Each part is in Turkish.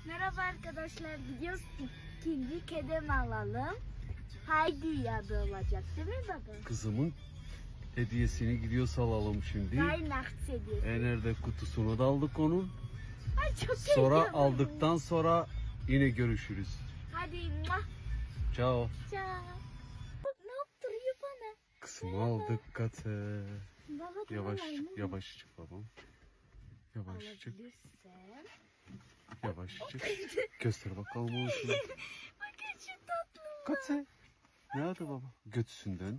Merhaba arkadaşlar, gidiyoruz ikinci kedem alalım. Haydi adı olacak değil mi baba? Kızımın hediyesini gidiyor alalım şimdi. Weihnachts hediyesi. Nerede kutusunu da aldık onun. Ay çok Sonra heyecanlıyım. aldıktan sonra yine görüşürüz. Hadi muah. Ciao. Ciao. Bak ne yaptırıyor bana. Kızımı aldık katı. Baba, Yavaşçık babam. Yavaşçık. Alabilirsem. Yavaşçık. Göster bakalım olsun. Bakın şu tatlı. Katı. Nerede baba? Götüsünden.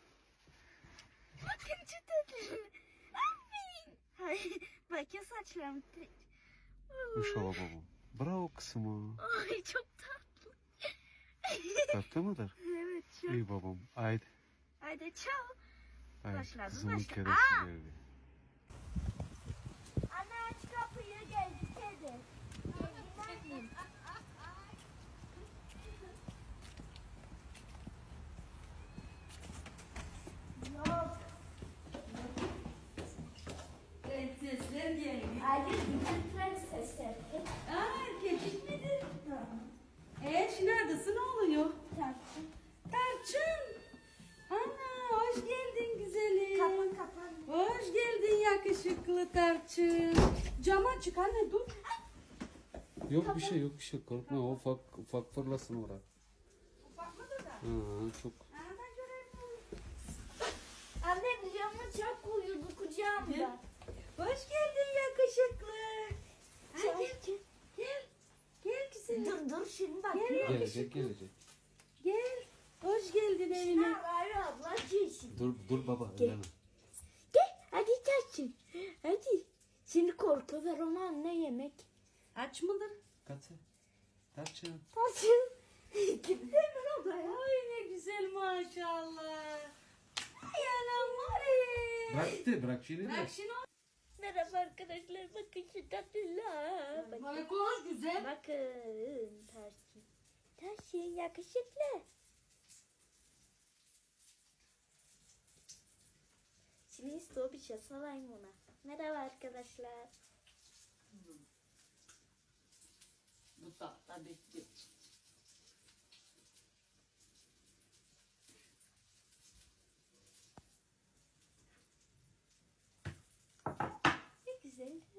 Bakın şu tatlı. Aferin. Hayır, bakın saçlarım. Uşağı babam. Bravo kızıma. Ay çok tatlı. Tatlı mıdır? Evet çok. İyi babam. Haydi. Haydi ciao. Haydi. Başladı, Kızımın başladı. kedisi Aa! geldi. Anne aç kapıyı, geldi kedi. Geldi annem. Yok. Prensesler geldi. Hayır, bütün prensesler. Erkek midir? Neredesin, ne oluyor? Tartın. Tarçın. Ana, hoş geldin güzelim. Kapan. Hoş geldin yakışıklı Tarçın. Cam açık anne, dur. Yok bir şey korkma, o ufak fırlasın oraya. Ufak mıdır da? Çok. Ben göreyim. Annem camı çok uyudu kucağımda. Hoş geldin yakışıklı. Ay, Çok- gel. Gel güzelim. Dur şimdi bak. Gelecek. Gel. Hoş geldin evine. Hayır abla ciğsin. Dur baba. Gel. Elena. Gel hadi Tarçın. Hadi. Şimdi korku ver ona anne yemek. Aç mıdır? Katı. Tarçın. Tarçın. Gitti mi odaya? Ay ne güzel maşallah. Ay anam var. Bırak şimdi Bırak şimdi. Merhaba arkadaşlar, bakın şu tatlılar. Bakın. Bana konuş güzel. Bakın Tarçın. Tarçın yakışıklı. Şimdi istiyor bir şey salayım ona. Merhaba arkadaşlar. Bu tatlı bitti. Ne güzel.